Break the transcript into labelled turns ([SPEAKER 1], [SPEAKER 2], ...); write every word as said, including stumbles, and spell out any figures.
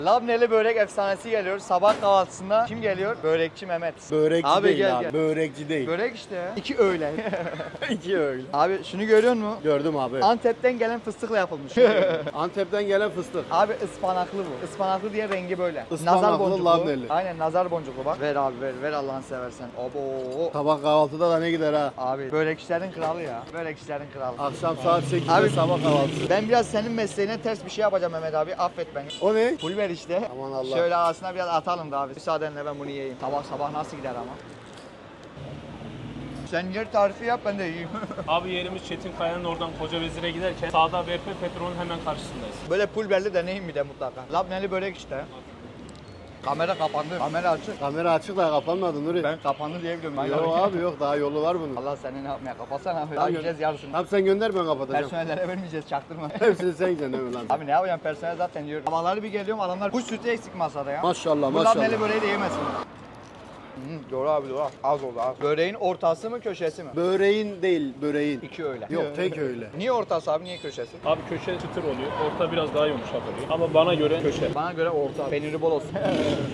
[SPEAKER 1] Labneli börek efsanesi geliyor. Sabah kahvaltısında kim geliyor? Börekçi Mehmet.
[SPEAKER 2] Börekçi
[SPEAKER 1] Abi
[SPEAKER 2] değil
[SPEAKER 1] gel,
[SPEAKER 2] abi.
[SPEAKER 1] gel.
[SPEAKER 2] Börekçi değil.
[SPEAKER 1] Börek işte ya. İki öğlen.
[SPEAKER 2] İki öyle.
[SPEAKER 1] Abi şunu görüyor musun?
[SPEAKER 2] Gördüm abi.
[SPEAKER 1] Antep'ten gelen fıstıkla yapılmış.
[SPEAKER 2] Antep'ten gelen fıstık.
[SPEAKER 1] Abi ıspanaklı bu. Ispanaklı diye rengi böyle.
[SPEAKER 2] Ispanaklı,
[SPEAKER 1] nazar boncuklu.
[SPEAKER 2] labneli.
[SPEAKER 1] Aynen nazar boncuklu bak. Ver abi ver. Ver Allah'ını seversen. Abo.
[SPEAKER 2] Sabah kahvaltıda da ne gider ha?
[SPEAKER 1] Abi börekçilerin kralı ya. Börekçilerin kralı.
[SPEAKER 2] Akşam saat sekizde
[SPEAKER 1] Abi-
[SPEAKER 2] sabah kahvaltısı.
[SPEAKER 1] Ben biraz senin mesleğine ters bir şey yapacağım Mehmet abi. Affet beni.
[SPEAKER 2] O ne?
[SPEAKER 1] Pul ver işte.
[SPEAKER 2] Aman Allah.
[SPEAKER 1] Şöyle ağzına biraz atalım da abi. Müsaadenle ben bunu yiyeyim. Sabah sabah nasıl gider ama. Sen yer tarifi yap ben de yiyeyim.
[SPEAKER 3] Abi yerimiz Çetin Kaya'nın oradan Koca Vezir'e giderken sağda B P Petrol'ün hemen karşısındayız.
[SPEAKER 1] Böyle pulverli deneyim bir de mutlaka. Labneli börek işte. Kamera kapandı. Kamera açık.
[SPEAKER 2] Kamera açık da kapanmadı Nuri.
[SPEAKER 1] Ben kapandı diye biliyorum.
[SPEAKER 2] Yok abi yok, daha yolu var bunun.
[SPEAKER 1] Allah seni ne yapmaya kapatsana abi. Daha
[SPEAKER 2] Tamam,
[SPEAKER 1] yiyeceğiz yarısını.
[SPEAKER 2] Tamam sen gönder, ben kapatacağım.
[SPEAKER 1] Personellere vermeyeceğiz çaktırma.
[SPEAKER 2] Hepsini sen yiyeceksin değil mi lan?
[SPEAKER 1] Abi ne yapacağım, personel zaten yiyor. Sabahları bir geliyorum adamlar kuş sütü eksik masada ya.
[SPEAKER 2] Maşallah
[SPEAKER 1] Bu labneli
[SPEAKER 2] maşallah.
[SPEAKER 1] böreği de yemesin. Hı, doğru abi doğru. Az oldu az. Böreğin ortası mı köşesi mi?
[SPEAKER 2] Böreğin değil, böreğin.
[SPEAKER 1] İki öyle.
[SPEAKER 2] Yok tek öyle.
[SPEAKER 1] Niye ortası abi, niye köşesi?
[SPEAKER 3] Abi köşe çıtır oluyor, orta biraz daha yumuşak oluyor. Ama bana göre köşe.
[SPEAKER 1] Bana göre orta. Peyniri bol olsun.